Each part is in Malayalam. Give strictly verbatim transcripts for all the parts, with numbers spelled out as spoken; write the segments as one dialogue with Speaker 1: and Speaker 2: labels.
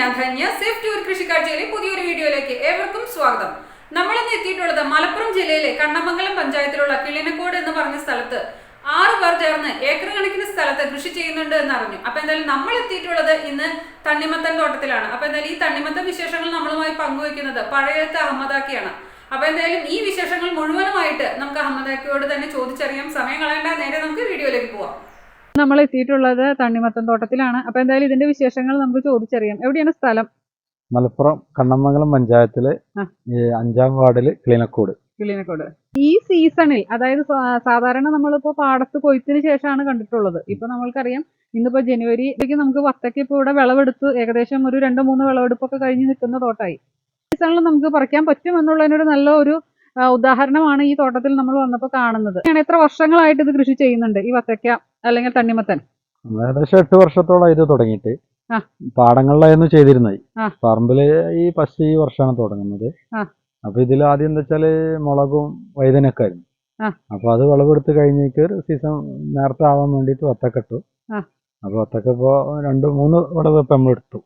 Speaker 1: ഞാൻ ധന്യ സേഫ് ടൂർ കൃഷിക്കാഴ്ചയിലെ പുതിയൊരു വീഡിയോയിലേക്ക് ഏവർക്കും സ്വാഗതം. നമ്മളിന്ന് എത്തിയിട്ടുള്ളത് മലപ്പുറം ജില്ലയിലെ കണ്ണമംഗലം പഞ്ചായത്തിലുള്ള കിളിനക്കോട് എന്ന് പറഞ്ഞ സ്ഥലത്ത് ആറ് പേർ ചേർന്ന് ഏക്കർ കണക്കിന് സ്ഥലത്ത് കൃഷി ചെയ്യുന്നുണ്ട് എന്ന് അറിഞ്ഞു. അപ്പൊ എന്തായാലും നമ്മൾ എത്തിയിട്ടുള്ളത് ഇന്ന് തണ്ണിമത്തൻ തോട്ടത്തിലാണ്. അപ്പൊ എന്തായാലും ഈ തണ്ണിമത്തൻ വിശേഷങ്ങൾ നമ്മളുമായി പങ്കുവയ്ക്കുന്നത് പഴയത്ത് അഹമ്മദാക്കിയാണ്. അപ്പൊ എന്തായാലും ഈ വിശേഷങ്ങൾ മുഴുവനുമായിട്ട് നമുക്ക് അഹമ്മദാക്കിയോട് തന്നെ ചോദിച്ചറിയാം. സമയം കളയേണ്ട, നേരെ നമുക്ക് വീഡിയോയിലേക്ക് പോവാം. നമ്മൾ എത്തിയിട്ടുള്ളത് തണ്ണിമത്തൻ തോട്ടത്തിലാണ്. അപ്പൊ എന്തായാലും ഇതിന്റെ വിശേഷങ്ങൾ നമുക്ക് ചോദിച്ചറിയാം. എവിടെയാണ് സ്ഥലം?
Speaker 2: മലപ്പുറം കണ്ണമംഗലം പഞ്ചായത്തിലെ അഞ്ചാം വാർഡില് കിളിനക്കോട്.
Speaker 1: കിളിനക്കോട് ഈ സീസണിൽ, അതായത് സാധാരണ നമ്മളിപ്പോ പാടത്ത് കൊയ്ത്തിന് ശേഷമാണ് കണ്ടിട്ടുള്ളത്. ഇപ്പൊ നമ്മൾക്കറിയാം ഇന്നിപ്പോ ജനുവരിയിലേക്ക് നമുക്ക് വത്തക്ക ഇപ്പൊ ഇവിടെ വിളവെടുത്ത് ഏകദേശം ഒരു രണ്ടോ മൂന്നോ വിളവെടുപ്പൊക്കെ കഴിഞ്ഞ് നിൽക്കുന്ന തോട്ടമായി. സീസണിൽ നമുക്ക് പറിക്കാൻ പറ്റും എന്നുള്ളതിനൊരു നല്ല ഒരു ഉദാഹരണമാണ് ഈ തോട്ടത്തിൽ നമ്മൾ വന്നപ്പോൾ കാണുന്നത്. എത്ര വർഷങ്ങളായിട്ട് ഇത് കൃഷി ചെയ്യുന്നുണ്ട് ഈ വത്തക്ക അല്ലെങ്കിൽ തണ്ണിമത്തൻ?
Speaker 2: ഏകദേശം എട്ട് വർഷത്തോളം ഇത് തുടങ്ങിയിട്ട്. പാടങ്ങളിലായിരുന്നു ചെയ്തിരുന്നത്. പറമ്പില് ഈ ഫസ്റ്റ് ഈ വർഷമാണ് തുടങ്ങുന്നത്. അപ്പൊ ഇതിൽ ആദ്യം എന്താ വെച്ചാല് മുളകും വൈതനൊക്കെ ആയിരുന്നു. അപ്പൊ അത് വിളവെടുത്ത് കഴിഞ്ഞേക്ക് സീസൺ നേരത്തെ ആവാൻ വേണ്ടിട്ട് വത്തക്ക ഇട്ടു. അപ്പൊ വത്തക്ക ഇപ്പൊ രണ്ട് മൂന്ന് വിളവ് ഇപ്പൊ നമ്മൾ എടുത്തു.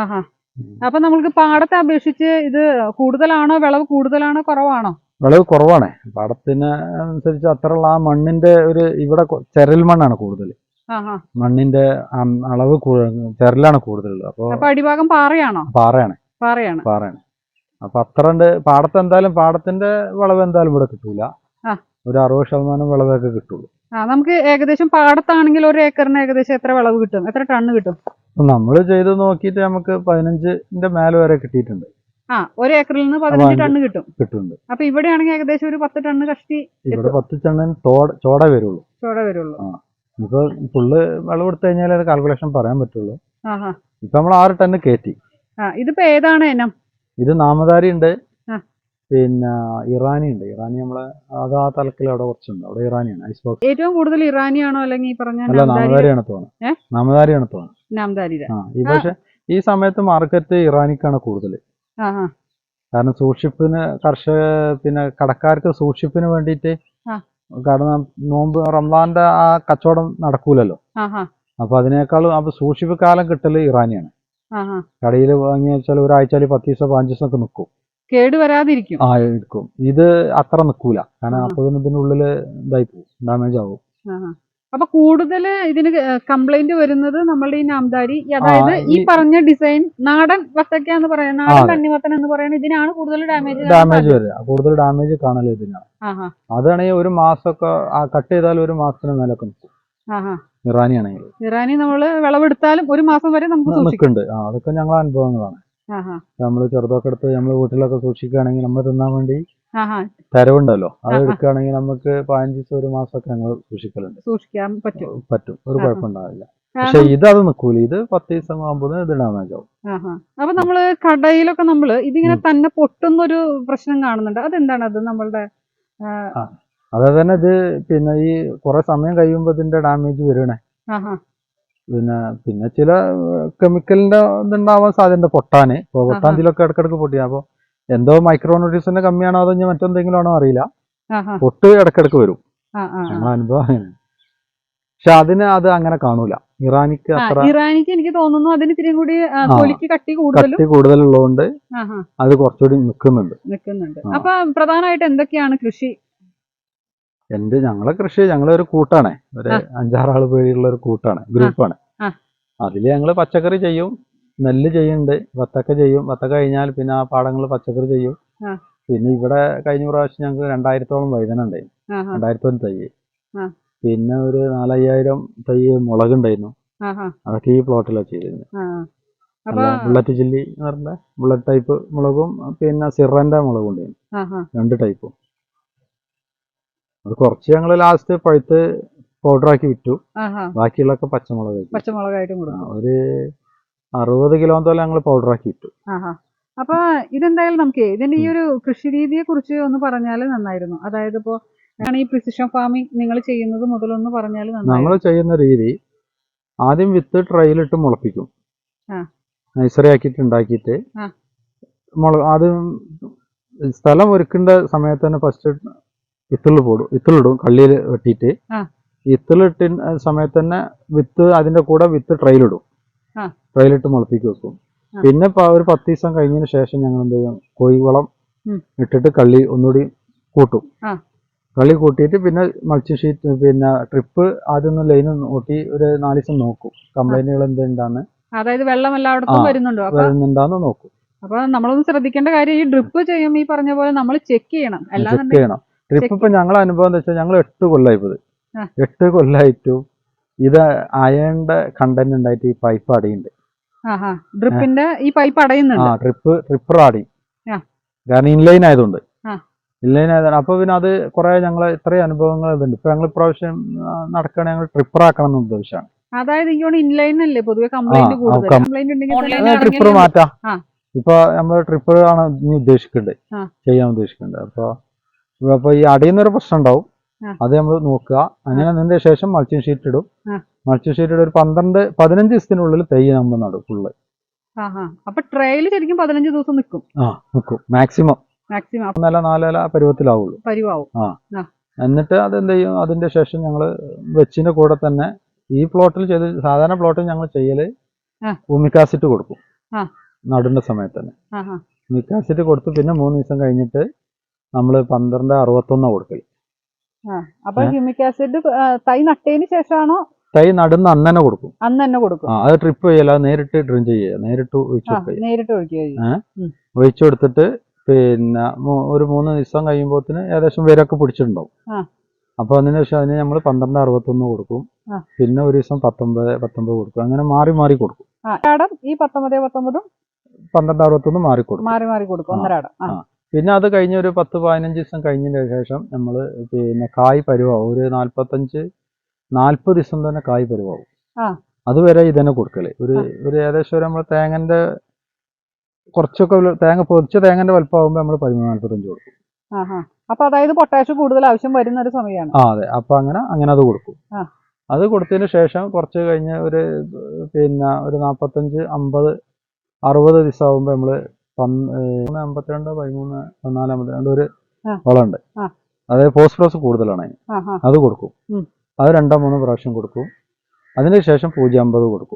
Speaker 1: അപ്പൊ നമ്മൾക്ക് പാടത്തെ അപേക്ഷിച്ച് ഇത് കൂടുതലാണോ, വിളവ് കൂടുതലാണോ കുറവാണോ?
Speaker 2: വിളവ് കുറവാണ്. പാടത്തിന് അനുസരിച്ച് അത്രയുള്ള ആ മണ്ണിന്റെ ഒരു ഇവിടെ ചെരൽ മണ്ണാണ് കൂടുതൽ. മണ്ണിന്റെ അളവ് ചെരലാണ് കൂടുതലുള്ളത്. അപ്പൊ
Speaker 1: അടിഭാഗം പാറയാണോ?
Speaker 2: പാറയാണ്
Speaker 1: പാറയാണ്
Speaker 2: പാറയാണ് അപ്പൊ അത്ര ഉണ്ട്. പാടത്ത് എന്തായാലും പാടത്തിന്റെ വിളവ് എന്തായാലും ഇവിടെ കിട്ടൂല. ഒരു അറുപത് ശതമാനം വിളവൊക്കെ കിട്ടുള്ളൂ.
Speaker 1: നമുക്ക് ഏകദേശം പാടത്താണെങ്കിൽ ഒരു ഏക്കറിന് ഏകദേശം എത്ര വിളവ് കിട്ടും? എത്ര ടണ്ണ് കിട്ടും?
Speaker 2: നമ്മൾ ചെയ്ത് നോക്കിയിട്ട് നമുക്ക് പതിനഞ്ചിന്റെ മേലെ വരെ കിട്ടിയിട്ടുണ്ട്.
Speaker 1: ആ, ഒരു ഏക്കറിൽ നിന്ന് പതിനഞ്ച് ടണ്ണ് കിട്ടും
Speaker 2: കിട്ടുന്നുണ്ട്.
Speaker 1: അപ്പൊ ഇവിടെയാണെങ്കിൽ ഏകദേശം ഒരു പത്ത് ടണ്ണ് കഷ്ടി.
Speaker 2: ഇവിടെ പത്ത് ടണ്ണിന് ചോട വരുള്ളൂ.
Speaker 1: ചോട വരുള്ളൂ.
Speaker 2: ഇപ്പൊ ഫുള്ള് വിളവെടുത്ത് കഴിഞ്ഞാൽ അത് കാൽക്കുലേഷൻ പറയാൻ പറ്റുള്ളൂ. ഇപ്പൊ നമ്മൾ ആറ് ടണ്ണ് കയറ്റി.
Speaker 1: ഇതിപ്പോ ഏതാണ് ഇനം?
Speaker 2: ഇത് നാമധാരി ഉണ്ട്, പിന്നെ ഇറാനി ഉണ്ട്. ഇറാനി നമ്മളെ അത് ആ തലക്കിൽ അവിടെ കുറച്ചുണ്ട്. അവിടെ ഇറാനിയാണ് ഐസ് ബോക്സ്.
Speaker 1: ഏറ്റവും കൂടുതൽ ഇറാനിയാണോ അല്ലെങ്കിൽ ഈ പറഞ്ഞ
Speaker 2: അല്ല നാമധാരിയാണ് തോന്നുന്നത്. നാമധാരിയാണ് തോന്നുന്നത്. ആ ഈ പക്ഷെ ഈ സമയത്ത് മാർക്കറ്റ് ഇറാനിക്കാണ് കൂടുതൽ. കാരണം സൂക്ഷിപ്പിന് കർഷക പിന്നെ കടക്കാർക്ക് സൂക്ഷിപ്പിന് വേണ്ടിയിട്ട്, കാരണം നോമ്പ് റംസാന്റെ ആ കച്ചവടം നടക്കൂലല്ലോ. അപ്പൊ അതിനേക്കാളും അപ്പൊ സൂക്ഷിപ്പ് കാലം കിട്ടല് ഇറാനിയാണ്. കടയിൽ വാങ്ങി വെച്ചാൽ ഒരാഴ്ചയിൽ പത്ത് ദിവസം പതിനഞ്ച് ദിവസം ഒക്കെ നിൽക്കും,
Speaker 1: കേട് വരാതിരിക്കും.
Speaker 2: ആ ഇരിക്കും. ഇത് അത്ര നിൽക്കൂല. കാരണം അപ്പൊ ഇതിനുള്ളില് ഇതായി പോകും, ഡാമേജ് ആവും.
Speaker 1: അപ്പൊ കൂടുതൽ ഇതിന് കംപ്ലൈന്റ് വരുന്നത് നമ്മളുടെ ഈ നാംദാരി, അതായത് ഈ പറഞ്ഞ ഡിസൈൻ നാടൻ വത്തക്ക എന്ന് പറയുന്നത്, നാടൻ തണ്ണിമത്തൻ എന്ന് പറയുന്നത് ഇതിനാണ് കൂടുതൽ ഡാമേജ്
Speaker 2: ഡാമേജ് വരിക. കൂടുതൽ ഡാമേജ് കാണല് ഇതിനാണ്. അതാണെങ്കിൽ ഒരു മാസമൊക്കെ കട്ട് ചെയ്താൽ ഒരു മാസത്തിന് മേലൊക്കെ നിൽക്കും. ഇറാനി ആണെങ്കിൽ
Speaker 1: ഇറാനി നമ്മള് വിളവെടുത്താലും ഒരു മാസം വരെ നമുക്ക്
Speaker 2: നിൽക്കുന്നുണ്ട്. അതൊക്കെ ഞങ്ങളെ അനുഭവങ്ങളാണ്. നമ്മള് ചെറുതൊക്കെ എടുത്ത് നമ്മള് വീട്ടിലൊക്കെ സൂക്ഷിക്കുകയാണെങ്കിൽ നമ്മൾ തിന്നാൻ വേണ്ടി തരവുണ്ടല്ലോ, അത് എടുക്കുകയാണെങ്കിൽ നമുക്ക് പതിനഞ്ച് ദിവസം ഒരു മാസമൊക്കെ ഞങ്ങൾ സൂക്ഷിക്കലുണ്ട്.
Speaker 1: സൂക്ഷിക്കാൻ പറ്റും
Speaker 2: പറ്റും ഒരു കുഴപ്പമുണ്ടാവില്ല. പക്ഷെ ഇത് അത് നിൽക്കൂല. ഇത് പത്ത് ദിവസം ആകുമ്പോൾ ഇത് ഡാമേജ് ആവും.
Speaker 1: അപ്പൊ നമ്മള് കടയിലൊക്കെ നമ്മള് ഇതിങ്ങനെ തന്നെ പൊട്ടുന്നൊരു പ്രശ്നം കാണുന്നുണ്ട്. അതെന്താണ്? അത് നമ്മളുടെ
Speaker 2: അതായത് തന്നെ ഇത് പിന്നെ ഈ കുറെ സമയം കഴിയുമ്പോ ഇതിന്റെ ഡാമേജ് വരണേ. പിന്നെ പിന്നെ ചില കെമിക്കലിന്റെ ഇതുണ്ടാവാൻ സാധ്യത പൊട്ടാന്. ഇപ്പൊ പൊട്ടാന്തിലൊക്കെ ഇടക്കിടക്ക് പൊട്ടിയ അപ്പൊ എന്തോ മൈക്രോ ന്യൂട്രീഷന്റെ കമ്മിയാണോ അതോ ഇനി മറ്റെന്തെങ്കിലും ആണോ അറിയില്ല, പൊട്ട് ഇടക്കിടക്ക് വരും. ഞങ്ങളെ അനുഭവം അങ്ങനെ. പക്ഷെ അതിന് അത് അങ്ങനെ കാണൂല. ഇറാനിക്ക് അത്ര
Speaker 1: ഇറാനിക്ക് എനിക്ക് തോന്നുന്നു അതിന് ഇത്തിരി കൂടി കട്ടി
Speaker 2: കൂടുതലുള്ളതുകൊണ്ട് അത് കുറച്ചുകൂടി നിൽക്കുന്നുണ്ട്
Speaker 1: നിൽക്കുന്നുണ്ട് അപ്പൊ പ്രധാനമായിട്ട് എന്തൊക്കെയാണ് കൃഷി?
Speaker 2: എന്റെ ഞങ്ങളെ കൃഷി ഞങ്ങളെ ഒരു കൂട്ടാണ്. ഒരു അഞ്ചാറാള് പേരുള്ള ഒരു കൂട്ടാണ്, ഗ്രൂപ്പാണ്. അതില് ഞങ്ങള് പച്ചക്കറി ചെയ്യും, നെല്ല് ചെയ്യുന്നുണ്ട്, വത്തക്ക ചെയ്യും. വത്തക്ക കഴിഞ്ഞാൽ പിന്നെ ആ പാടങ്ങളിൽ പച്ചക്കറി ചെയ്യും. പിന്നെ ഇവിടെ കഴിഞ്ഞ പ്രാവശ്യം ഞങ്ങൾക്ക് രണ്ടായിരത്തോളം വൈതന ഉണ്ടായിരുന്നു, രണ്ടായിരത്തോളം തൈ. പിന്നെ ഒരു നാലയ്യായിരം തൈ മുളക് ഉണ്ടായിരുന്നു. അതൊക്കെ ഈ പ്ലോട്ടിലാണ് ചെയ്തിരുന്നത്. ബുള്ളറ്റ് ചില്ലി എന്ന് പറഞ്ഞ ബുള്ളറ്റ് ടൈപ്പ് മുളകും പിന്നെ സിറന്റെ മുളകും ഉണ്ടായിരുന്നു, രണ്ട് ടൈപ്പും. അത് കുറച്ച് ഞങ്ങള് ലാസ്റ്റ് പഴുത്ത് പൗഡറാക്കി വിറ്റു. ബാക്കിയുള്ളൊക്കെ പച്ചമുളക്
Speaker 1: പച്ചമുളകായിട്ടും
Speaker 2: ഒരു അറുപത് കിലോത്തോളം ഞങ്ങൾ പൗഡറാക്കി വിറ്റു.
Speaker 1: അപ്പൊ ഇതെന്തായാലും നമുക്ക് ഇതിന്റെ ഈ ഒരു കൃഷി രീതിയെ കുറിച്ച് ഒന്ന് പറഞ്ഞാൽ നന്നായിരുന്നു. അതായത് ഇപ്പോ ഈ പ്രിസിഷൻ ഫാമിംഗ് നിങ്ങൾ ചെയ്യുന്നത് മുതലൊന്ന് പറഞ്ഞാൽ
Speaker 2: നമ്മൾ ചെയ്യുന്ന രീതി, ആദ്യം വിത്ത് ട്രൈയിലിട്ട് മുളപ്പിക്കും, നഴ്സറി ആക്കിയിട്ട് ഉണ്ടാക്കിയിട്ട് മുള ആദ്യം സ്ഥലം ഒരുക്കേണ്ട സമയത്ത് തന്നെ ഫസ്റ്റ് ഇത്തിള് പോടും ഇത്തിളിടും കള്ളിയിൽ വെട്ടിയിട്ട്. ഇത്തിളിട്ട സമയത്ത് തന്നെ വിത്ത് അതിന്റെ കൂടെ വിത്ത് ട്രൈയിലിടും, ട്രൈയിലിട്ട് മുളപ്പിക്ക് വെക്കും. പിന്നെ ഒരു പത്ത് ദിവസം കഴിഞ്ഞതിന് ശേഷം ഞങ്ങൾ എന്ത് ചെയ്യും, കോഴിവളം
Speaker 1: ഉം.
Speaker 2: ഇട്ടിട്ട് കള്ളി ഒന്നുകൂടി കൂട്ടും.
Speaker 1: ആ.
Speaker 2: കള്ളി കൂട്ടിയിട്ട് പിന്നെ മൾച്ചിങ് ഷീറ്റ് പിന്നെ ട്രിപ്പ് ആദ്യം ഒന്ന് ലൈൻ നോക്കി ഒരു നാല് ദിവസം നോക്കും, കംപ്ലൈന്റുകൾ എന്തുണ്ടാന്ന്,
Speaker 1: അതായത് വെള്ളം എല്ലായിടത്തും വരുന്നുണ്ടോ
Speaker 2: വരുന്നുണ്ടാന്ന് നോക്കും.
Speaker 1: അപ്പൊ നമ്മളൊന്ന് ശ്രദ്ധിക്കേണ്ട കാര്യം ഈ ഡ്രിപ്പ് ചെയ്യുമ്പോൾ ഈ പറഞ്ഞ പോലെ നമ്മൾ ചെക്ക് ചെയ്യണം.
Speaker 2: ചെക്ക് ചെയ്യണം. ട്രിപ്പ് ഇപ്പൊ ഞങ്ങളെ അനുഭവം എന്താ വെച്ചാൽ ഞങ്ങൾ എട്ട് കൊല്ലായിപ്പത്
Speaker 1: ആ.
Speaker 2: എട്ട് കൊല്ലായിട്ടും ഇത് അയണിന്റെ കണ്ടന്റ് ഉണ്ടായിട്ട് ഈ പൈപ്പ് അടിയുണ്ട്.
Speaker 1: ഡ്രിപ്പിന്റെ ഈ പൈപ്പ് അടയുന്നുണ്ട്.
Speaker 2: ആ ട്രിപ്പ് ട്രിപ്പർ അടി,
Speaker 1: ആ.
Speaker 2: കാരണം ഇൻലൈൻ ആയതുകൊണ്ട്
Speaker 1: ആ.
Speaker 2: ഇൻലൈൻ ആയതാണ്. അപ്പൊ പിന്നെ അത് കുറെ ഞങ്ങളെ ഇത്രയും അനുഭവങ്ങൾ ഇതുണ്ട്. ഇപ്പൊ ഞങ്ങൾ ഇപ്രാവശ്യം നടക്കണ ഞങ്ങൾ ട്രിപ്പർ ആക്കണം എന്ന് ഉദ്ദേശമാണ്.
Speaker 1: അതായത് ഇൻലൈൻ അല്ലേ പൊതുവെ കംപ്ലൈന്റ് കൂടുതൽ. കംപ്ലൈന്റ് ഉണ്ടെങ്കിൽ
Speaker 2: ട്രിപ്പർ മാറ്റാം.
Speaker 1: ആ.
Speaker 2: ഇപ്പൊ നമ്മള് ട്രിപ്പർ ആണ് ഇനി ഉദ്ദേശിക്കുന്നുണ്ട്,
Speaker 1: ആ.
Speaker 2: ചെയ്യാൻ ഉദ്ദേശിക്കുന്നുണ്ട്. അപ്പൊ അപ്പൊ ഈ അടിയുന്നൊരു പ്രശ്നം ഉണ്ടാവും,
Speaker 1: ആ.
Speaker 2: അത് നമ്മൾ നോക്കുക. അങ്ങനെ അതിന്റെ ശേഷം മൾച്ചിങ് ഷീറ്റ് ഇടും.
Speaker 1: ആ.
Speaker 2: മൾച്ചിങ് ഷീറ്റ് ഒരു പന്ത്രണ്ട് പതിനഞ്ച് ദിവസത്തിനുള്ളിൽ തൈ നമ്മൾ നടും ഫുള്ള്.
Speaker 1: അപ്പൊ ട്രയൽ ശരിക്കും പതിനഞ്ച് ദിവസം നിൽക്കും.
Speaker 2: ആ നിൽക്കും മാക്സിമം.
Speaker 1: മാക്സിമം
Speaker 2: മൂന്നല നാലല പരുവത്തിലാവുള്ളൂ.
Speaker 1: പരിവാവും.
Speaker 2: ആ. എന്നിട്ട് അതെന്ത് ചെയ്യും, അതിന്റെ ശേഷം ഞങ്ങള് വെച്ചിന്റെ കൂടെ തന്നെ ഈ പ്ലോട്ടിൽ ചെയ്ത് സാധാരണ പ്ലോട്ടിൽ ഞങ്ങൾ ചെയ്യല് ഹ്യൂമിക് കൊടുക്കും നടുന്ന സമയത്ത് തന്നെ. ഹ്യൂമിക് കൊടുത്ത് പിന്നെ മൂന്ന് ദിവസം കഴിഞ്ഞിട്ട് നമ്മള് പന്ത്രണ്ട് അറുപത്തൊന്നാ കൊടുക്കല്.
Speaker 1: അപ്പൊ ഹ്യൂമിക് ആസിഡ് തൈ നട്ടതിന് ശേഷമാണോ?
Speaker 2: തൈ നടുന്ന അന്ന് തന്നെ കൊടുക്കും.
Speaker 1: അന്ന് തന്നെ കൊടുക്കും.
Speaker 2: ആ അത് ട്രിപ്പ് ചെയ്യല, നേരിട്ട് ഡ്രിൻ ചെയ്യുക, നേരിട്ട് ഒഴിച്ചു
Speaker 1: നേരിട്ട് ഒഴിക്കുക.
Speaker 2: ഒഴിച്ചു കൊടുത്തിട്ട് പിന്നെ ഒരു മൂന്ന് ദിവസം കഴിയുമ്പോത്തിന് ഏകദേശം വേരൊക്കെ പിടിച്ചിട്ടുണ്ടാവും. അപ്പൊ അതിന് ശേഷം അതിന് നമ്മൾ പന്ത്രണ്ട് അറുപത്തൊന്ന് കൊടുക്കും. പിന്നെ ഒരു ദിവസം പത്തൊമ്പത് പത്തൊമ്പത് കൊടുക്കും. അങ്ങനെ മാറി മാറി കൊടുക്കും.
Speaker 1: ഈ പത്തൊമ്പത് പത്തൊമ്പതും
Speaker 2: പന്ത്രണ്ട് അറുപത്തൊന്ന് മാറി കൊടുക്കും.
Speaker 1: മാറി മാറി കൊടുക്കും ഒന്നരാടം.
Speaker 2: പിന്നെ അത് കഴിഞ്ഞ ഒരു പത്ത് പതിനഞ്ച് ദിവസം കഴിഞ്ഞതിന് ശേഷം നമ്മൾ പിന്നെ കായ് പരുവാവും. ഒരു നാല്പത്തഞ്ച് നാല്പത് ദിവസം തന്നെ കായ് പരുവാവും. അതുവരെ ഇതന്നെ കൊടുക്കല്. ഒരു ഒരു ഏകദേശം ഒരു നമ്മൾ തേങ്ങന്റെ കുറച്ചൊക്കെ തേങ്ങ പൊരിച്ച തേങ്ങന്റെ വലുപ്പമാകുമ്പോൾ നമ്മൾ പതിമൂന്ന് നാല്പത്തഞ്ച് കൊടുക്കും.
Speaker 1: അപ്പൊ അതായത് പൊട്ടാഷ് കൂടുതൽ ആവശ്യം വരുന്ന ഒരു സമയമാണ്.
Speaker 2: ആ അതെ. അപ്പൊ അങ്ങനെ അങ്ങനെ അത് കൊടുക്കും. അത് കൊടുത്തതിന് ശേഷം കുറച്ച് കഴിഞ്ഞ് ഒരു പിന്നെ ഒരു നാൽപ്പത്തഞ്ച് അമ്പത് അറുപത് ദിവസം ആകുമ്പോൾ നമ്മള് പന്ന് അമ്പത്തിരണ്ട് പതിമൂന്ന് പതിനാല് അമ്പത്തിരണ്ട് ഒരു വളമുണ്ട്. അതായത് ഫോസ്ഫറസ് കൂടുതലാണ്, അത് കൊടുക്കും. അത് രണ്ടോ മൂന്നോ പ്രാവശ്യം കൊടുക്കും. അതിനുശേഷം പൂജ്യം അമ്പത് കൊടുക്കും.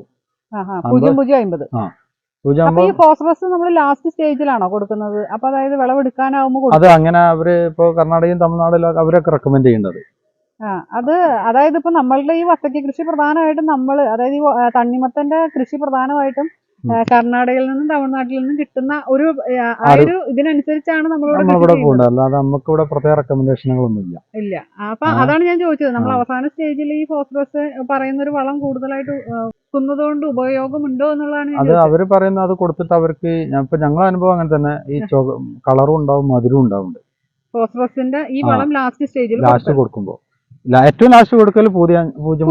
Speaker 1: ഫോസ്ഫറസ് നമ്മൾ ലാസ്റ്റ് സ്റ്റേജിലാണോ കൊടുക്കുന്നത്? അപ്പൊ അതായത് വിളവെടുക്കാനാവുമ്പോൾ
Speaker 2: അത് അങ്ങനെ അവര് ഇപ്പൊ കർണാടകയും തമിഴ്നാടിലും അവരൊക്കെ റെക്കമെൻഡ് ചെയ്യുന്നത്.
Speaker 1: അത് അതായത് ഇപ്പൊ നമ്മളുടെ ഈ വത്തക്ക കൃഷി പ്രധാനമായിട്ടും നമ്മൾ അതായത് ഈ തണ്ണിമത്തന്റെ കൃഷി പ്രധാനമായിട്ടും കർണാടകയിൽ നിന്നും തമിഴ്നാട്ടിൽ നിന്നും കിട്ടുന്ന ഒരു ആ ഒരു ഇതിനനുസരിച്ചാണ് നമ്മളിവിടെ
Speaker 2: പോകുന്നത്. അല്ലാതെ നമുക്ക് ഇവിടെ പ്രത്യേക റെക്കമെൻഡേഷനുകളൊന്നും ഇല്ല.
Speaker 1: ഇല്ല. അപ്പൊ അതാണ് ഞാൻ ചോദിച്ചത്, നമ്മൾ അവസാന സ്റ്റേജിൽ ഈ ഫോസ്ഫറസ് പറയുന്ന ഒരു വളം കൂടുതലായിട്ട് കൊണ്ട് ഉപയോഗമുണ്ടോ എന്നുള്ളതാണ്.
Speaker 2: അത് അവര് പറയുന്നത് അത് കൊടുത്തിട്ട് അവർക്ക് ഇപ്പൊ ഞങ്ങളെ അനുഭവം അങ്ങനെ തന്നെ ഈ കളറും ഉണ്ടാവും മധുരവും ഉണ്ടാവും.
Speaker 1: ഫോസ്ഫറസിന്റെ ഈ വളം ലാസ്റ്റ് സ്റ്റേജിൽ
Speaker 2: ലാസ്റ്റ് കൊടുക്കുമ്പോ ഏറ്റവും ലാസ്റ്റ് കൊടുക്കൽ പൂജ്യം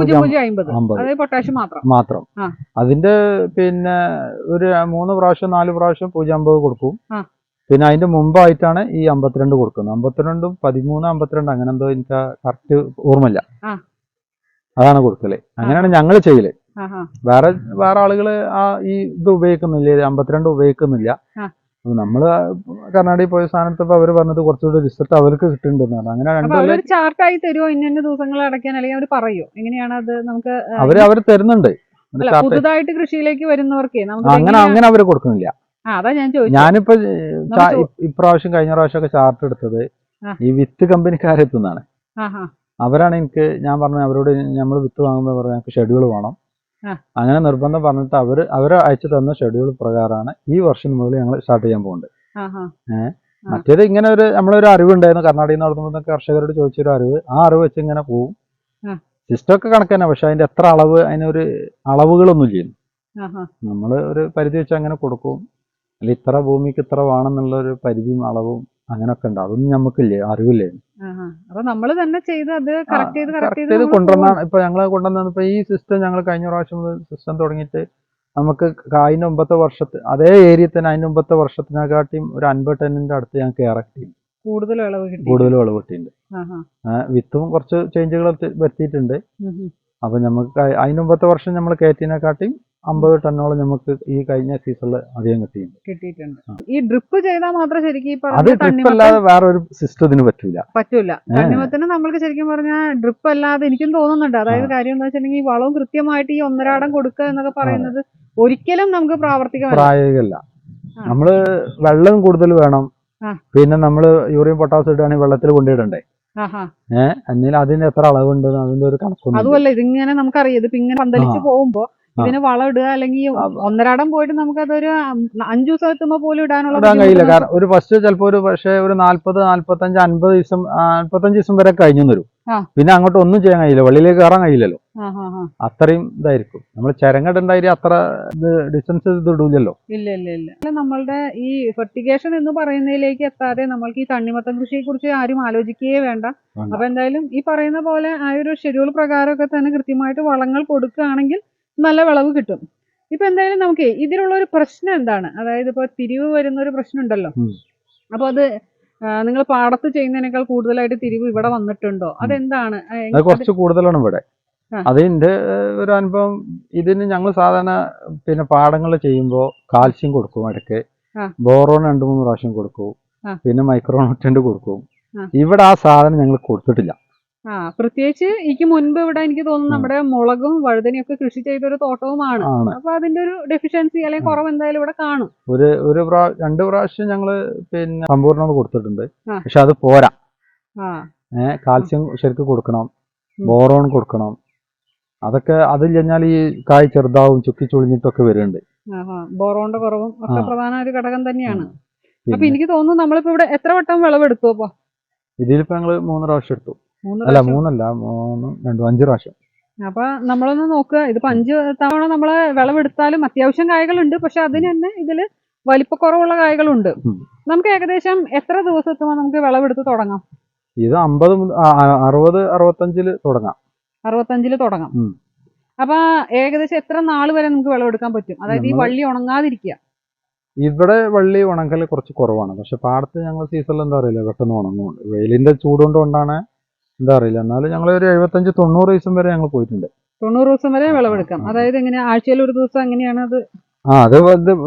Speaker 1: പൊട്ടാഷ്യം മാത്രം
Speaker 2: മാത്രം അതിന്റെ പിന്നെ ഒരു മൂന്ന് പ്രാവശ്യം നാല് പ്രാവശ്യം പൂജ്യം അമ്പത് കൊടുക്കും. പിന്നെ അതിന്റെ മുമ്പായിട്ടാണ് ഈ അമ്പത്തിരണ്ട് കൊടുക്കുന്നത്. അമ്പത്തിരണ്ടും പതിമൂന്ന് അമ്പത്തിരണ്ട് അങ്ങനെ എന്തോ എനിക്ക് കറക്റ്റ് ഓർമ്മയില്ല. അതാണ് കൊടുക്കല്. അങ്ങനെയാണ് ഞങ്ങൾ ചെയ്യല്. വേറെ വേറെ ആളുകള് ആ ഈ ഇത് ഉപയോഗിക്കുന്നില്ല, അമ്പത്തിരണ്ട് ഉപയോഗിക്കുന്നില്ല. നമ്മള് കർണാടകയിൽ പോയ സ്ഥാനത്ത് അവര് പറഞ്ഞത് കുറച്ചുകൂടി റിസൾട്ട് അവർക്ക് കിട്ടുന്നുണ്ടെന്നാണ്. അങ്ങനെ
Speaker 1: രണ്ടു ചാർട്ടായി തരുമോ? ഇന്ന ദിവസങ്ങൾ അടയ്ക്കാൻ അല്ലെങ്കിൽ അവർ പറയോ എങ്ങനെയാണ് അത്? നമുക്ക്
Speaker 2: അവര് അവര് തരുന്നുണ്ട്.
Speaker 1: പുതുതായിട്ട് കൃഷിയിലേക്ക് വരുന്നവർക്ക്
Speaker 2: അങ്ങനെ അങ്ങനെ അവര് കൊടുക്കുന്നില്ല.
Speaker 1: അതാ ഞാൻ ചോദിച്ചത്.
Speaker 2: ഞാനിപ്പോ ഇപ്രാവശ്യം കഴിഞ്ഞ പ്രാവശ്യം ഒക്കെ ചാർട്ട് എടുത്തത് ഈ വിത്ത് കമ്പനിക്കാരെത്തുന്നതാണ്. അവരാണ് എനിക്ക് ഞാൻ പറഞ്ഞു അവരോട് നമ്മൾ വിത്ത് വാങ്ങുമ്പോൾ പറഞ്ഞു ഞങ്ങൾക്ക് ഷെഡ്യൂൾ വേണം. അങ്ങനെ നിർബന്ധം പറഞ്ഞിട്ട് അവര് അവര് അയച്ചു തന്ന ഷെഡ്യൂൾ പ്രകാരമാണ് ഈ വർഷം മുതൽ ഞങ്ങൾ സ്റ്റാർട്ട് ചെയ്യാൻ പോകുന്നത്. ഏഹ് മറ്റേത് ഇങ്ങനെ ഒരു നമ്മളൊരു അറിവുണ്ടായിരുന്നു കർണാടകയിൽ നിന്ന് നടത്തുമ്പോൾ കർഷകരോട് ചോദിച്ചൊരു അറിവ്, ആ അറിവ് വെച്ച് ഇങ്ങനെ പോവും. സിസ്റ്റം ഒക്കെ കണക്ക് തന്നെ, പക്ഷെ അതിന്റെ എത്ര അളവ് അതിനൊരു അളവുകളൊന്നും ചെയ്യുന്നു. നമ്മള് ഒരു പരിധി വെച്ച് അങ്ങനെ കൊടുക്കും. അല്ല ഇത്ര ഭൂമിക്ക് ഇത്ര വേണമെന്നുള്ള ഒരു പരിധിയും അളവും അങ്ങനൊക്കെ ഉണ്ട്. അതൊന്നും നമുക്കില്ലേ, അറിവില്ലേ.
Speaker 1: അപ്പൊ നമ്മള് തന്നെ ചെയ്ത് അത് കറക്റ്റ് ചെയ്ത്
Speaker 2: കറക്റ്റ് ചെയ്ത് കൊണ്ടുവന്നാണ് ഇപ്പൊ ഞങ്ങള് കൊണ്ടുവന്നത്. ഇപ്പൊ ഈ സിസ്റ്റം ഞങ്ങൾ കഴിഞ്ഞ പ്രാവശ്യം സിസ്റ്റം തുടങ്ങിയിട്ട് നമുക്ക് അതിന്റെ മുമ്പത്തെ വർഷത്തെ അതേ ഏരിയയിൽ തന്നെ അതിന്റെ മുമ്പത്തെ വർഷത്തിനെക്കാട്ടിയും ഒരു അൻപത് ടണ്ണിന്റെ അടുത്ത് ഞങ്ങൾക്ക് ഇറക്കി
Speaker 1: കൂടുതൽ വിളവ്
Speaker 2: കൂടുതൽ വിളവ് കിട്ടിയിട്ടുണ്ട്. വിത്തും കുറച്ച് ചേഞ്ചുകൾ വരുത്തിയിട്ടുണ്ട്. അപ്പൊ നമുക്ക് അതിന് മുമ്പത്തെ വർഷം നമ്മൾ കയറ്റിനെക്കാട്ടിയും അമ്പത് ടണ്ണോളം നമുക്ക് ഈ കഴിഞ്ഞ സീസണിൽ അധികം
Speaker 1: കിട്ടിയിട്ടുണ്ട്. ഈ ഡ്രിപ്പ് ചെയ്താൽ മാത്രം ശരിക്കും
Speaker 2: അത് ഡ്രിപ്പ് അല്ലാതെ വേറെ ഒരു സിസ്റ്റത്തിന് പറ്റൂല
Speaker 1: പറ്റൂല തണ്ണിമത്തന് നമ്മൾക്ക് ശരിക്കും പറഞ്ഞാൽ ഡ്രിപ്പ് അല്ലാതെ എനിക്കും തോന്നുന്നുണ്ട്. അതായത് കാര്യം എന്താ വെച്ചിട്ടുണ്ടെങ്കിൽ ഈ വളവും കൃത്യമായിട്ട് ഈ ഒന്നരാടം കൊടുക്കുക എന്നൊക്കെ പറയുന്നത്
Speaker 3: ഒരിക്കലും നമുക്ക് പ്രാവർത്തികമല്ല.
Speaker 2: പ്രായോഗികമല്ല. നമ്മള് വെള്ളം കൂടുതൽ വേണം. പിന്നെ നമ്മള് യൂറിയം പൊട്ടാസ്യം ഇടുകയാണെങ്കിൽ വെള്ളത്തിൽ കൊണ്ടിടണ്ടേ? ഏഹ് എന്നാൽ അതിന് എത്ര അളവുണ്ട് അതിന്റെ ഒരു കണക്കൊന്നും.
Speaker 3: അതുമല്ല ഇതിങ്ങനെ നമുക്കറിയാം, ഇതിപ്പോ ഇങ്ങനെ പന്തലിച്ച് പോകുമ്പോ ഇതിന് വളം ഇടുക അല്ലെങ്കിൽ ഒന്നരാടം പോയിട്ട് നമുക്ക് അതൊരു അഞ്ചു ദിവസം എത്തുമ്പോ പോലും ഇടാനുള്ള
Speaker 2: ഇടാൻ കഴിയില്ല. കാരണം ഒരു ഫസ്റ്റ് ചിലപ്പോ ഒരു പക്ഷേ ഒരു നാല്പത് നാല്പത്തഞ്ച് അൻപത് ദിവസം നാല്പത്തഞ്ച് ദിവസം വരെ കഴിഞ്ഞു വരും. പിന്നെ അങ്ങോട്ട് ഒന്നും ചെയ്യാൻ കഴിയില്ല, വെള്ളിയിലേക്ക് കയറാൻ കഴിയില്ലല്ലോ. അത്രയും ഇതായിരിക്കും. നമ്മൾ ചിരങ്ങടുണ്ടായി അത്ര ഇത് ഡിസ്റ്റൻസ് ഇത് ഇടൂലല്ലോ.
Speaker 3: ഇല്ല ഇല്ല ഇല്ല നമ്മളുടെ ഈ ഫെർട്ടിഗേഷൻ എന്ന് പറയുന്നതിലേക്ക് എത്താതെ നമ്മൾക്ക് ഈ തണ്ണിമത്തൻ കൃഷിയെ കുറിച്ച് ആരും ആലോചിക്കുകയേ വേണ്ട. അപ്പൊ എന്തായാലും ഈ പറയുന്ന പോലെ ആ ഒരു ഷെഡ്യൂൾ പ്രകാരമൊക്കെ തന്നെ കൃത്യമായിട്ട് വളങ്ങൾ കൊടുക്കുകയാണെങ്കിൽ നല്ല വിളവ് കിട്ടും. ഇപ്പൊ എന്തായാലും നമുക്ക് ഇതിലുള്ള ഒരു പ്രശ്നം എന്താണ്, അതായത് ഇപ്പൊ തിരിവ് വരുന്ന ഒരു പ്രശ്നം ഉണ്ടല്ലോ. അപ്പൊ അത് നിങ്ങൾ പാടത്ത് ചെയ്യുന്നതിനേക്കാൾ കൂടുതലായിട്ട് തിരിവ് ഇവിടെ വന്നിട്ടുണ്ടോ? അതെന്താണ്?
Speaker 2: കുറച്ച് കൂടുതലാണ് ഇവിടെ. അതിന്റെ ഒരു അനുഭവം. ഇതിന് ഞങ്ങൾ സാധാരണ പിന്നെ പാടങ്ങൾ ചെയ്യുമ്പോൾ കാൽസ്യം കൊടുക്കും, ഇടയ്ക്ക് ബോറോൺ രണ്ടു മൂന്ന് പ്രാവശ്യം കൊടുക്കും, പിന്നെ മൈക്രോ ന്യൂട്രിയന്റ് കൊടുക്കും. ഇവിടെ ആ സാധനം ഞങ്ങൾ കൊടുത്തിട്ടില്ല.
Speaker 3: ആ പ്രത്യേകിച്ച് എനിക്ക് മുൻപ് ഇവിടെ എനിക്ക് തോന്നുന്നു നമ്മുടെ മുളകും വഴുതനയും ഒക്കെ കൃഷി ചെയ്തൊരു തോട്ടവുമാണ്. അപ്പൊ അതിന്റെ ഒരു ഡെഫിഷ്യൻസി അല്ലെങ്കിൽ കുറവ് എന്തായാലും ഇവിടെ കാണും.
Speaker 2: ഒരു ഒരു രണ്ട് പ്രാവശ്യം ഞങ്ങള് പിന്നെ സമ്പൂർണ്ണം കൊടുത്തിട്ടുണ്ട്. പക്ഷെ അത് പോരാ. ഏഹ് കാൽസ്യം ശരിക്കും കൊടുക്കണം, ബോറോൺ കൊടുക്കണം. അതൊക്കെ അതിൽ കഴിഞ്ഞാൽ ഈ കായ് ചെറുതാവും ചുക്കി ചുളിഞ്ഞിട്ടൊക്കെ വരുന്നുണ്ട്.
Speaker 3: ബോറോണിന്റെ കുറവും ഒക്കെ പ്രധാന ഒരു ഘടകം തന്നെയാണ്. അപ്പൊ എനിക്ക് തോന്നുന്നു നമ്മളിപ്പോ ഇവിടെ എത്ര വട്ടം വിളവെടുത്തു? അപ്പൊ
Speaker 2: ഇതിലിപ്പോ ഞങ്ങള് മൂന്ന് പ്രാവശ്യം എടുത്തു. അല്ല മൂന്നല്ല മൂന്ന് രണ്ടു അഞ്ചു പ്രാവശ്യം.
Speaker 3: അപ്പൊ നമ്മളൊന്ന് നോക്കുക, ഇതിപ്പോ അഞ്ച് തവണ നമ്മള് വിളവെടുത്താലും അത്യാവശ്യം കായ്കളുണ്ട്. പക്ഷെ അതിന് തന്നെ ഇതില് വലിപ്പക്കുറവുള്ള കായ്കളുണ്ട്. നമുക്ക് ഏകദേശം എത്ര ദിവസം എത്തുമ്പോൾ നമുക്ക് വിളവെടുത്ത് തുടങ്ങാം?
Speaker 2: ഇത് അമ്പത് അറുപത് അറുപത്തഞ്ചില് തുടങ്ങാം.
Speaker 3: അറുപത്തഞ്ചില് തുടങ്ങാം. അപ്പൊ ഏകദേശം എത്ര നാൾ വരെ നമുക്ക് വിളവെടുക്കാൻ പറ്റും? അതായത് ഈ വള്ളി ഉണങ്ങാതിരിക്കുക.
Speaker 2: ഇവിടെ വള്ളി ഉണക്കൽ കുറച്ച് കുറവാണ്. പക്ഷെ പാടത്ത് ഞങ്ങൾ സീസണിൽ എന്താ അറിയില്ല പെട്ടെന്ന് ഉണങ്ങുന്നുണ്ട്. വെയിലിന്റെ ചൂടുകൊണ്ട് കൊണ്ടാണ് എന്താ അറിയില്ല. എന്നാലും ഞങ്ങൾ ഒരു എഴുപത്തഞ്ച് തൊണ്ണൂറ് ദിവസം വരെ ഞങ്ങൾ പോയിട്ടുണ്ട്.
Speaker 3: തൊണ്ണൂറ് ദിവസം വരെ വിളവെടുക്കാം. അതായത് എങ്ങനെ ആഴ്ചയിൽ ഒരു ദിവസം എങ്ങനെയാണ് അത്?
Speaker 2: ആ അത്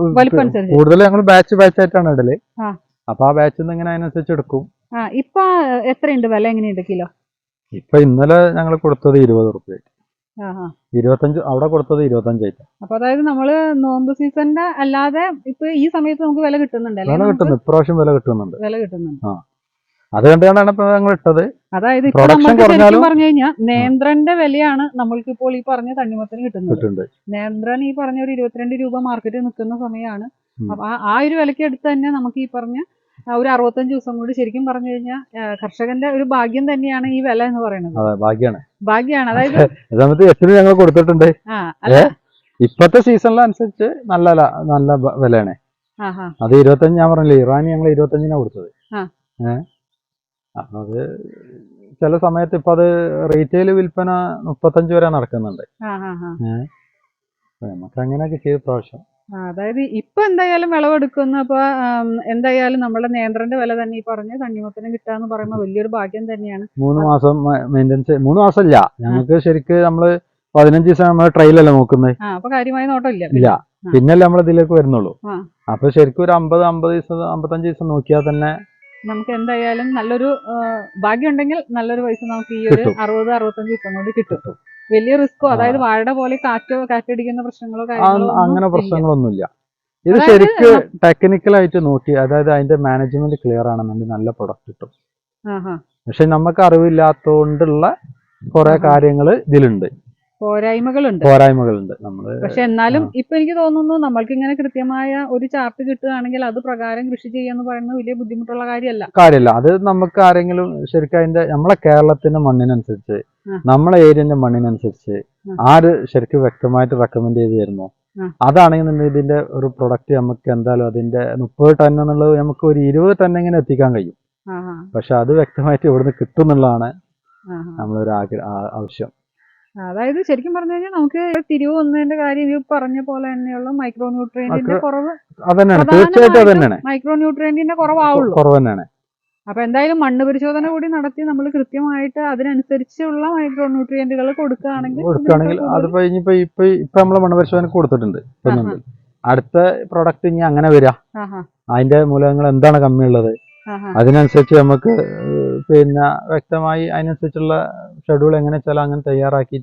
Speaker 2: കൂടുതൽ ഞങ്ങൾ ബാച്ച് ബാച്ച് ആയിട്ടാണ് ഇടല്. അപ്പൊ ആ ബാച്ചിൽ നിന്ന് ഇങ്ങനെ അതിനനുസരിച്ച് എടുക്കും.
Speaker 3: ആ ഇപ്പൊ എത്രയുണ്ട് വില? എങ്ങനെയുണ്ട് കിലോ?
Speaker 2: ഇപ്പൊ ഇന്നലെ ഞങ്ങൾ കൊടുത്തത് ഇരുപത് റുപ്യ, ഇരുപത്തഞ്ച് അവിടെ കൊടുത്തത് ഇരുപത്തഞ്ചായിട്ട്.
Speaker 3: അപ്പൊ അതായത് നമ്മള് നോമ്പ് സീസണിന്റെ അല്ലാതെ ഇപ്പൊ ഈ സമയത്ത് നമുക്ക് വില കിട്ടുന്നുണ്ട്.
Speaker 2: വില കിട്ടുന്നു, ഇപ്രാവശ്യം വില കിട്ടുന്നുണ്ട്.
Speaker 3: വില കിട്ടുന്നുണ്ട്.
Speaker 2: ആ അത് കണ്ടാണ് ഇപ്പൊ ഞങ്ങൾ ഇട്ടത്.
Speaker 3: അതായത് ഇപ്പൊ നമുക്ക് ശരിക്കും പറഞ്ഞു കഴിഞ്ഞാൽ നേന്ത്രന്റെ വിലയാണ് നമ്മൾക്ക് ഇപ്പോൾ ഈ പറഞ്ഞ തണ്ണിമത്തന് കിട്ടുന്നത്. നേന്ത്രൻ ഈ പറഞ്ഞ ഒരു ഇരുപത്തിരണ്ട് രൂപ മാർക്കറ്റിൽ നിൽക്കുന്ന സമയമാണ്. അപ്പൊ ആ ഒരു വിലക്ക് എടുത്ത് തന്നെ നമുക്ക് ഈ പറഞ്ഞ ഒരു അറുപത്തഞ്ച് ദിവസം കൂടി ശരിക്കും പറഞ്ഞു കഴിഞ്ഞാൽ കർഷകന്റെ ഒരു ഭാഗ്യം തന്നെയാണ് ഈ വില എന്ന് പറയുന്നത്.
Speaker 2: ഭാഗ്യാണ്
Speaker 3: ഭാഗ്യാണ് അതായത്
Speaker 2: എട്ടിന് ഞങ്ങൾ കൊടുത്തിട്ടുണ്ട്. ഇപ്പത്തെ സീസണിലനുസരിച്ച് നല്ല നല്ല വിലയാണ്. അത് ഇരുപത്തഞ്ച് ഞാൻ പറഞ്ഞില്ലേ, ഇറാനി ഞങ്ങൾ ഇരുപത്തഞ്ചിനാണ് കൊടുത്തത്. ഏഹ് അപ്പൊ അത് ചില സമയത്ത് ഇപ്പൊ അത് റീറ്റെയിൽ വിൽപ്പന മുപ്പത്തഞ്ച് വരെ നടക്കുന്നുണ്ട്. ഏഹ് നമുക്ക് അങ്ങനെയൊക്കെ ചെയ്ത പ്രാവശ്യം.
Speaker 3: അതായത് ഇപ്പൊ എന്തായാലും വിളവെടുക്കുന്ന അപ്പൊ എന്തായാലും നമ്മുടെ നേന്ത്രന്റെ വില തന്നെ ഈ പറഞ്ഞ തണ്ണിമത്തനും കിട്ടാന്ന് പറയുമ്പോൾ വലിയൊരു ഭാഗ്യം തന്നെയാണ്.
Speaker 2: മൂന്ന് മാസം മെയിൻ്റെനൻസ് മൂന്ന് മാസം ഇല്ല ഞങ്ങൾക്ക്. ശരിക്കും നമ്മള് പതിനഞ്ച് ദിവസം നമ്മൾ ട്രയലല്ലേ നോക്കുന്നത്.
Speaker 3: അപ്പൊ കാര്യമായ നോട്ടം ഇല്ല
Speaker 2: ഇല്ല പിന്നല്ലേ നമ്മൾ ഇതിലേക്ക് വരുന്നുള്ളൂ. അപ്പൊ ശരിക്കും ഒരു അമ്പത് അമ്പത് ദിവസം അമ്പത്തഞ്ച് ദിവസം നോക്കിയാൽ തന്നെ
Speaker 3: നമുക്ക് എന്തായാലും നല്ലൊരു ഭാഗ്യം ഉണ്ടെങ്കിൽ നല്ലൊരു പൈസ നമുക്ക് ഈ ഒരു അറുപത് അറുപത്തഞ്ച് ദിവസം കൊണ്ട് കിട്ടും. വലിയ റിസ്കോ അതായത് വാഴയുടെ പോലെ കാറ്റോ കാറ്റടിക്കുന്ന പ്രശ്നങ്ങളോ
Speaker 2: അങ്ങനെ പ്രശ്നങ്ങളൊന്നുമില്ല. ഇത് ശരിക്കും ടെക്നിക്കലായിട്ട് നോക്കി അതായത് അതിന്റെ മാനേജ്മെന്റ് ക്ലിയർ ആണെന്നുണ്ടെങ്കിൽ നല്ല പ്രൊഡക്റ്റ് കിട്ടും. പക്ഷെ നമുക്ക് അറിവില്ലാത്തോണ്ടുള്ള കുറെ കാര്യങ്ങൾ ഇതിലുണ്ട്,
Speaker 3: പോരായ്മകളുണ്ട്
Speaker 2: പോരായ്മകളുണ്ട് നമ്മള്.
Speaker 3: പക്ഷെ എന്നാലും ഇപ്പൊ എനിക്ക് തോന്നുന്നു നമ്മൾക്ക് ഇങ്ങനെ കൃത്യമായ ഒരു ചാർട്ട് കിട്ടുകയാണെങ്കിൽ അത് പ്രകാരം കൃഷി ചെയ്യാന്ന് പറയുന്നത് വലിയ ബുദ്ധിമുട്ടുള്ള കാര്യമല്ല
Speaker 2: കാര്യമല്ല അത് നമുക്ക് ആരെങ്കിലും ശരിക്കും അതിന്റെ നമ്മളെ കേരളത്തിന്റെ മണ്ണിനനുസരിച്ച് നമ്മളെ ഏരിയന്റെ മണ്ണിനനുസരിച്ച് ആര് ശരിക്കും വ്യക്തമായിട്ട് റെക്കമെൻഡ് ചെയ്ത് തരുന്നു അതാണെങ്കിൽ ഇതിന്റെ ഒരു പ്രൊഡക്റ്റ് നമുക്ക് എന്തായാലും അതിന്റെ മുപ്പത് ടൺ എന്നുള്ളത് നമുക്ക് ഒരു ഇരുപത് ടൺ എങ്ങനെ എത്തിക്കാൻ കഴിയും. പക്ഷെ അത് വ്യക്തമായിട്ട് ഇവിടുന്ന് കിട്ടും എന്നുള്ളതാണ് നമ്മളൊരു ആവശ്യം.
Speaker 3: അതായത് ശരിക്കും പറഞ്ഞു കഴിഞ്ഞാൽ നമുക്ക് തിരിവ് വന്നതിന്റെ കാര്യം ഈ പറഞ്ഞ പോലെ തന്നെയുള്ള മൈക്രോ ന്യൂട്രിയന്റിന്റെ കുറവ് മൈക്രോ ന്യൂട്രിയന്റിന്റെ കുറവാവുള്ളൂ
Speaker 2: കുറവ് തന്നെയാണ്.
Speaker 3: അപ്പൊ എന്തായാലും മണ്ണ് പരിശോധന കൂടി നടത്തി നമ്മൾ കൃത്യമായിട്ട് അതിനനുസരിച്ചുള്ള മൈക്രോ ന്യൂട്രിയന്റുകൾ കൊടുക്കുകയാണെങ്കിൽ
Speaker 2: കൊടുക്കുകയാണെങ്കിൽ അതിപ്പോ ഇനിയിപ്പോ ഇപ്പൊ ഇപ്പൊ നമ്മള് മണ്ണ് പരിശോധന കൊടുത്തിട്ടുണ്ട്. അടുത്ത പ്രൊഡക്റ്റ് ഇനി അങ്ങനെ വരിക അതിന്റെ മൂലകങ്ങൾ എന്താണ് കമ്മിയുള്ളത് അതിനനുസരിച്ച് നമുക്ക് പിന്നെ വ്യക്തമായി അതിനനുസരിച്ചുള്ള ഷെഡ്യൂൾ എങ്ങനെ വെച്ചാൽ അങ്ങനെ തയ്യാറാക്കിയിട്ട്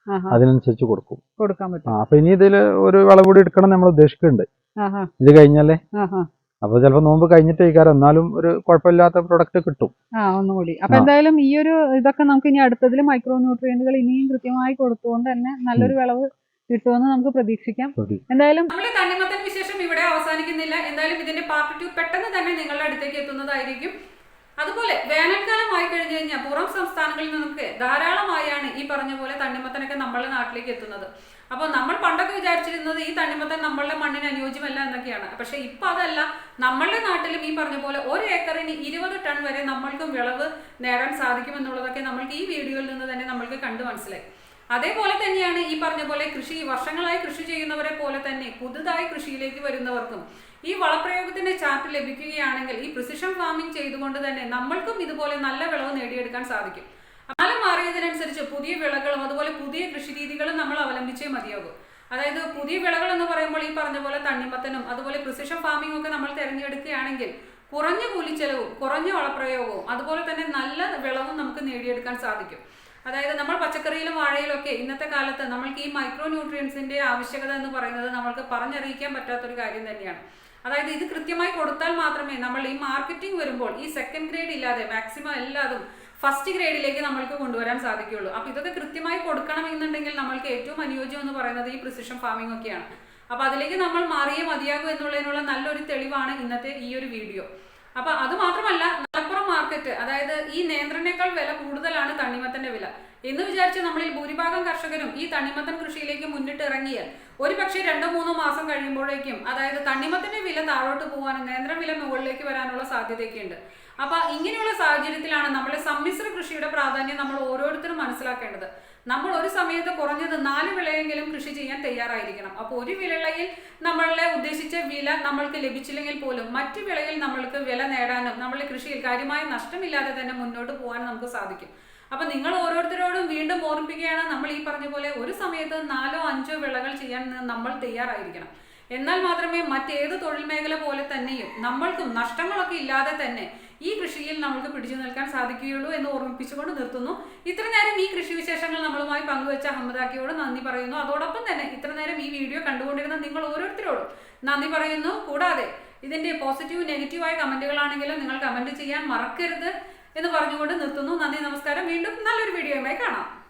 Speaker 2: അതിനനുസരിച്ച് കൊടുക്കും
Speaker 3: കൊടുക്കാൻ പറ്റും.
Speaker 2: അപ്പൊ ഇനി ഇതിൽ ഒരു വിളവ് കൂടി എടുക്കണം നമ്മൾ ഉദ്ദേശിക്കുന്നുണ്ട് ഇത് കഴിഞ്ഞാലേ. അപ്പൊ ചിലപ്പോ നോമ്പ് കഴിഞ്ഞിട്ടേക്കാരം എന്നാലും ഒരു കുഴപ്പമില്ലാത്ത പ്രൊഡക്റ്റ് കിട്ടും.
Speaker 3: ആ ഒന്നുകൂടി. അപ്പൊ എന്തായാലും ഈ ഒരു ഇതൊക്കെ നമുക്ക് ഇനി അടുത്തതിൽ മൈക്രോ ന്യൂട്രിയന്റുകൾ ഇനിയും കൃത്യമായി കൊടുത്തുകൊണ്ട് തന്നെ നല്ലൊരു വിളവ് കിട്ടുമെന്ന് നമുക്ക് പ്രതീക്ഷിക്കാം. എന്തായാലും
Speaker 1: നമ്മുടെ തണ്ണിമത്തൻ വിശേഷം ഇവിടെ അവസാനിക്കുന്നില്ല. എന്തായാലും ഇതിന്റെ പാർട്ട് ടു പെട്ടെന്ന് തന്നെ നിങ്ങളുടെ അടുത്തേക്ക് എത്തുന്നതായിരിക്കും. അതുപോലെ വേനൽക്കാലമായി കഴിഞ്ഞു കഴിഞ്ഞാൽ പുറം സംസ്ഥാനങ്ങളിൽ നിന്നൊക്കെ ധാരാളമായാണ് ഈ പറഞ്ഞ പോലെ തണ്ണിമത്തനൊക്കെ നമ്മളുടെ നാട്ടിലേക്ക് എത്തുന്നത്. അപ്പോൾ നമ്മൾ പണ്ടൊക്കെ വിചാരിച്ചിരുന്നത് ഈ തണ്ണിമത്തൻ നമ്മളുടെ മണ്ണിന് അനുയോജ്യമല്ല എന്നൊക്കെയാണ്. പക്ഷെ ഇപ്പൊ അതല്ല, നമ്മളുടെ നാട്ടിലും ഈ പറഞ്ഞ പോലെ ഒരു ഏക്കറിന് ഇരുപത് ടൺ വരെ നമ്മൾക്കും വിളവ് നേടാൻ സാധിക്കും എന്നുള്ളതൊക്കെ നമ്മൾക്ക് ഈ വീഡിയോയിൽ നിന്ന് തന്നെ നമ്മൾക്ക് കണ്ടു മനസ്സിലായി. അതേപോലെ തന്നെയാണ് ഈ പറഞ്ഞ പോലെ കൃഷി വർഷങ്ങളായി കൃഷി ചെയ്യുന്നവരെ പോലെ തന്നെ പുതുതായി കൃഷിയിലേക്ക് വരുന്നവർക്കും ഈ വളപ്രയോഗത്തിന്റെ ചാർട്ട് ലഭിക്കുകയാണെങ്കിൽ ഈ പ്രിസിഷൻ ഫാമിംഗ് ചെയ്തുകൊണ്ട് തന്നെ നമ്മൾക്കും ഇതുപോലെ നല്ല വിളവ് നേടിയെടുക്കാൻ സാധിക്കും. കാലം മാറിയതിനനുസരിച്ച് പുതിയ വിളകളും അതുപോലെ പുതിയ കൃഷി രീതികളും നമ്മൾ അവലംബിച്ചേ മതിയാകും. അതായത് പുതിയ വിളകൾ എന്ന് പറയുമ്പോൾ ഈ പറഞ്ഞ പോലെ തണ്ണിമത്തനും അതുപോലെ പ്രിസിഷൻ ഫാമിംഗ് ഒക്കെ നമ്മൾ തിരഞ്ഞെടുക്കുകയാണെങ്കിൽ കുറഞ്ഞ കൂലിച്ചെലവും കുറഞ്ഞ വളപ്രയോഗവും അതുപോലെ തന്നെ നല്ല വിളവും നമുക്ക് നേടിയെടുക്കാൻ സാധിക്കും. അതായത് നമ്മൾ പച്ചക്കറിയിലും വാഴയിലും ഒക്കെ ഇന്നത്തെ കാലത്ത് നമ്മൾക്ക് ഈ മൈക്രോ ന്യൂട്രിയൻസിന്റെ ആവശ്യകത എന്ന് പറയുന്നത് നമ്മൾക്ക് പറഞ്ഞറിയിക്കാൻ പറ്റാത്തൊരു കാര്യം തന്നെയാണ്. അതായത് ഇത് കൃത്യമായി കൊടുത്താൽ മാത്രമേ നമ്മൾ ഈ മാർക്കറ്റിംഗ് വരുമ്പോൾ ഈ സെക്കൻഡ് ഗ്രേഡ് ഇല്ലാതെ മാക്സിമം എല്ലാതും ഫസ്റ്റ് ഗ്രേഡിലേക്ക് നമ്മൾക്ക് കൊണ്ടുവരാൻ സാധിക്കുകയുള്ളൂ. അപ്പൊ ഇതൊക്കെ കൃത്യമായി കൊടുക്കണം എന്നുണ്ടെങ്കിൽ നമ്മൾക്ക് ഏറ്റവും അനുയോജ്യം എന്ന് പറയുന്നത് ഈ പ്രിസിഷൻ ഫാമിംഗ് ഒക്കെയാണ്. അപ്പൊ അതിലേക്ക് നമ്മൾ മാറിയേ മതിയാകൂ എന്നുള്ളതിനുള്ള നല്ലൊരു തെളിവാണ് ഇന്നത്തെ ഈ ഒരു വീഡിയോ. അപ്പൊ അത് മാത്രമല്ല, മലപ്പുറം മാർക്കറ്റ് അതായത് ഈ നേന്ത്രനേക്കാൾ വില കൂടുതലാണ് തണ്ണിമത്തന്റെ വില എന്ന് വിചാരിച്ച് നമ്മളിൽ ഭൂരിഭാഗം കർഷകരും ഈ തണ്ണിമത്തൻ കൃഷിയിലേക്ക് മുന്നിട്ട് ഇറങ്ങിയാൽ ഒരു പക്ഷേ രണ്ടോ മൂന്നോ മാസം കഴിയുമ്പോഴേക്കും അതായത് തണ്ണിമത്തന്റെ വില താഴോട്ട് പോകാനും നേന്ത്രൻ വില മുകളിലേക്ക് വരാനുള്ള സാധ്യതയൊക്കെ ഉണ്ട്. അപ്പൊ ഇങ്ങനെയുള്ള സാഹചര്യത്തിലാണ് നമ്മുടെ സമ്മിശ്ര കൃഷിയുടെ പ്രാധാന്യം നമ്മൾ ഓരോരുത്തരും മനസ്സിലാക്കേണ്ടത്. നമ്മൾ ഒരു സമയത്ത് കുറഞ്ഞത് നാല് വിളയെങ്കിലും കൃഷി ചെയ്യാൻ തയ്യാറായിരിക്കണം. അപ്പോൾ ഒരു വിളയിൽ നമ്മളെ ഉദ്ദേശിച്ച വില നമ്മൾക്ക് ലഭിച്ചില്ലെങ്കിൽ പോലും മറ്റു വിളയിൽ നമ്മൾക്ക് വില നേടാനും നമ്മളുടെ കൃഷിയിൽ കാര്യമായ നഷ്ടമില്ലാതെ തന്നെ മുന്നോട്ട് പോകാൻ നമുക്ക് സാധിക്കും. അപ്പൊ നിങ്ങൾ ഓരോരുത്തരോടും വീണ്ടും ഓർമ്മിപ്പിക്കുകയാണ്, നമ്മൾ ഈ പറഞ്ഞ പോലെ ഒരു സമയത്ത് നാലോ അഞ്ചോ വിളകൾ ചെയ്യാൻ നമ്മൾ തയ്യാറായിരിക്കണം. എന്നാൽ മാത്രമേ മറ്റേത് തൊഴിൽ മേഖല പോലെ തന്നെയും നമ്മൾക്കും നഷ്ടങ്ങളൊക്കെ ഇല്ലാതെ തന്നെ ഈ കൃഷിയിൽ നമുക്ക് പിടിച്ചു നിൽക്കാൻ സാധിക്കുകയുള്ളൂ എന്ന് ഓർമ്മിപ്പിച്ചുകൊണ്ട് നിർത്തുന്നു. ഇത്ര നേരം ഈ കൃഷി വിശേഷങ്ങൾ നമ്മളുമായി പങ്കുവെച്ച അഹമ്മദാക്കിയോട് നന്ദി പറയുന്നു. അതോടൊപ്പം തന്നെ ഇത്ര നേരം ഈ വീഡിയോ കണ്ടുകൊണ്ടിരുന്ന നിങ്ങൾ ഓരോരുത്തരോടും നന്ദി പറയുന്നു. കൂടാതെ ഇതിന്റെ പോസിറ്റീവ് നെഗറ്റീവായ കമന്റുകളാണെങ്കിലും നിങ്ങൾ കമന്റ് ചെയ്യാൻ മറക്കരുത് എന്ന് പറഞ്ഞുകൊണ്ട് നിർത്തുന്നു. നന്ദി, നമസ്കാരം. വീണ്ടും നല്ലൊരു വീഡിയോയുമായി കാണാം.